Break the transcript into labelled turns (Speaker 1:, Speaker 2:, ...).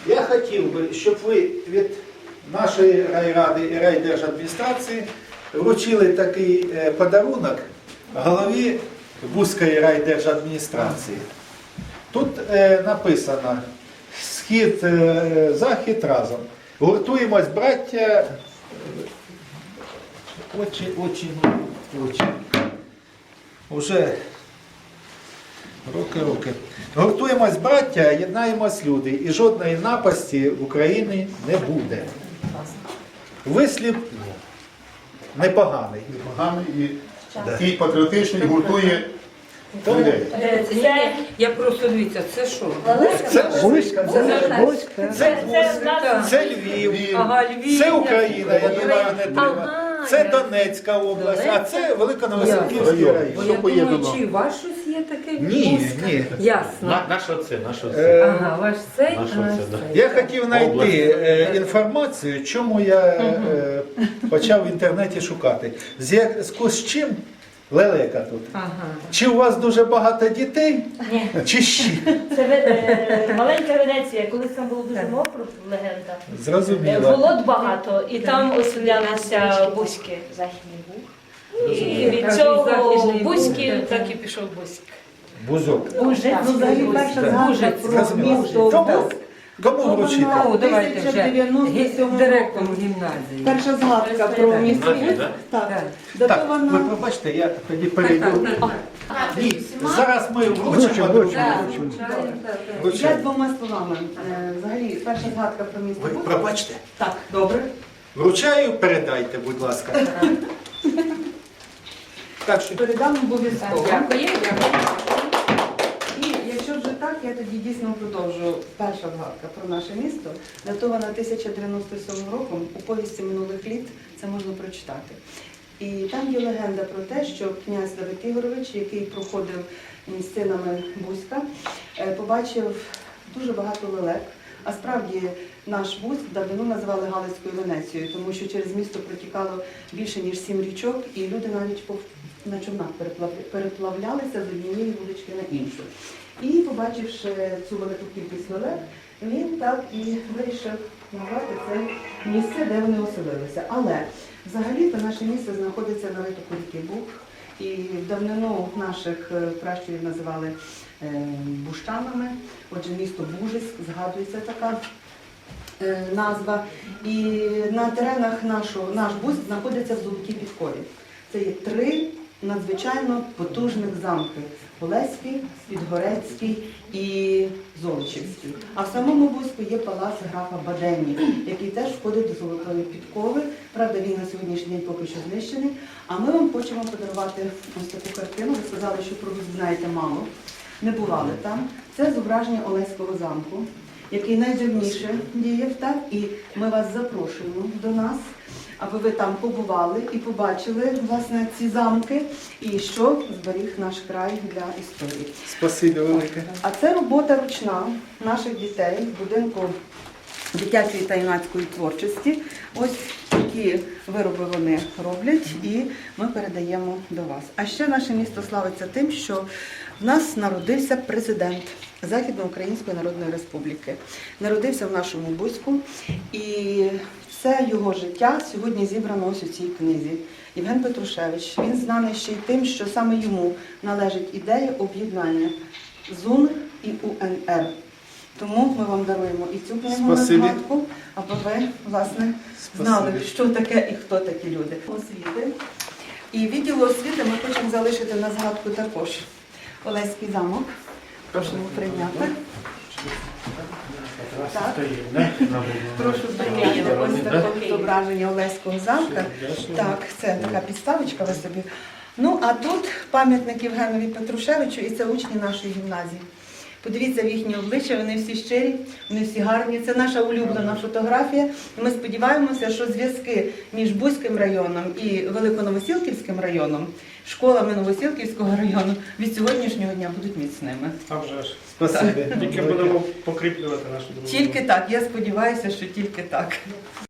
Speaker 1: Я хотів би, щоб ви від нашої райради і райдержадміністрації вручили такий подарунок голові Бузької райдержадміністрації. Тут написано «Схід, захід разом». Гуртуємось, браття, очень. Уже роки. Гуртуємось, браття, єднаємось, люди, і жодної напасті в Україні не буде. Вислів непоганий.
Speaker 2: Непоганий і патріотичний, гуртує людей.
Speaker 3: Я просто дивіться, це що?
Speaker 1: Це Львів,
Speaker 3: Ага, Львів.
Speaker 1: це Україна, я думаю, не треба. Це Донецька область, а це Великоновосилківський
Speaker 3: Бо
Speaker 1: район.
Speaker 3: я думаю, чи ваш щось є таке?
Speaker 1: Ні.
Speaker 3: Ясно.
Speaker 4: Наш оце.
Speaker 3: Ага, ваш цей,
Speaker 4: Наш
Speaker 3: а наш
Speaker 4: оце, да.
Speaker 3: цей.
Speaker 1: Я хотів знайти інформацію, чому я почав в інтернеті шукати. В зв'язку з чим лелека тут?
Speaker 3: Ага.
Speaker 1: Чи у вас дуже багато дітей?
Speaker 5: Ні.
Speaker 1: Чи ще?
Speaker 5: Це маленька Венеція, колись там було дуже мокро, легенда.
Speaker 1: Зрозуміло.
Speaker 5: Болот багато, і там оселялися Бузьки, Західний Буг. І від цього Бузьки так і пішов Бузьк.
Speaker 1: Бузок.
Speaker 5: Бужець,
Speaker 6: Взагалі перша згадка про
Speaker 1: Зрозуміло.
Speaker 6: місто
Speaker 1: Кому?
Speaker 6: Бузьк.
Speaker 1: Кому вручити?
Speaker 3: Ну, давайте вже
Speaker 6: 1997
Speaker 3: директору гімназії.
Speaker 6: Перша згадка про місто Бузьк. Так.
Speaker 1: Так, ви
Speaker 6: Датована.
Speaker 1: пробачте, я тоді перейду. Ні, зараз ми вручимо друг другу.
Speaker 6: Я
Speaker 1: Вручаємо.
Speaker 6: двома словами. Взагалі, перша згадка про місто
Speaker 1: Ви
Speaker 6: Бузьк.
Speaker 1: пробачте.
Speaker 6: Так, добре.
Speaker 1: Вручаю, передайте, будь ласка. Так що
Speaker 6: Передам обов'язково.
Speaker 3: Дякую.
Speaker 6: І якщо вже так, я тоді дійсно продовжу. Перша згадка про наше місто, датована 1097 роком, у повісті минулих літ це можна прочитати. І там є легенда про те, що князь Давид Ігорович, який проходив місцинами Бузька, побачив дуже багато лелек. А справді наш Бузьк давно називали Галицькою Венецією, тому що через місто протікало більше, ніж 7 річок, і люди навіть на човнах переплавлялися з однієї вулички на іншу. І, побачивши цю велику кількість лелек, він так і вирішив назвати це місце, де вони оселилися. Але взагалі-то наше місце знаходиться на витоку ріки Буг, і в давнину наших пращурів називали бущанами, отже, місто Бужиськ, згадується така назва. І на теренах наш Бузьк знаходиться в Золотій Підкові. Це є 3 надзвичайно потужних замки – Олеський, Підгорецький і Золочівський. А в самому Бузьку є палац графа Бадені, який теж входить до Золотої Підкови. Правда, він на сьогоднішній день поки що знищений. А ми вам хочемо подарувати ось таку картину. Ви сказали, що про Бузьк знаєте мало. Не бували там. Це зображення Олеського замку, який найдавніше діяв, так? І ми вас запрошуємо до нас, аби ви там побували і побачили, власне, ці замки і що зберіг наш край для історії.
Speaker 1: спасибі велике.
Speaker 6: А це робота ручна наших дітей в будинку дитячої та юнацької творчості. Ось такі вироби вони роблять і ми передаємо до вас. А ще наше місто славиться тим, що в нас народився президент Західноукраїнської Народної Республіки. Народився в нашому Бузьку, і все його життя сьогодні зібрано ось у цій книзі. Євген Петрушевич, він знаний ще й тим, що саме йому належить ідея об'єднання ЗУН і УНР. Тому ми вам даруємо і цю книгу на згадку, аби ви, власне, знали, що таке і хто такі люди. Освіти. І відділу освіти ми хочемо залишити на згадку також Олеський замок. Просимо прийняти. Так. Прошу прийняти ось таке зображення Олеського замка. Так, це така підставочка ви собі. Ну, а тут пам'ятник Євгенові Петрушевичу, і це учні нашої гімназії. Подивіться в їхні обличчя, вони всі щирі, вони всі гарні. Це наша улюблена фотографія. І ми сподіваємося, що зв'язки між Бузьким районом і Великоновосілківським районом, школами Новосілківського району від сьогоднішнього дня будуть міцними.
Speaker 7: А вже ж.
Speaker 1: Спасибі.
Speaker 7: Тільки будемо покріплювати нашу дружбу.
Speaker 6: Тільки так, я сподіваюся, що тільки так.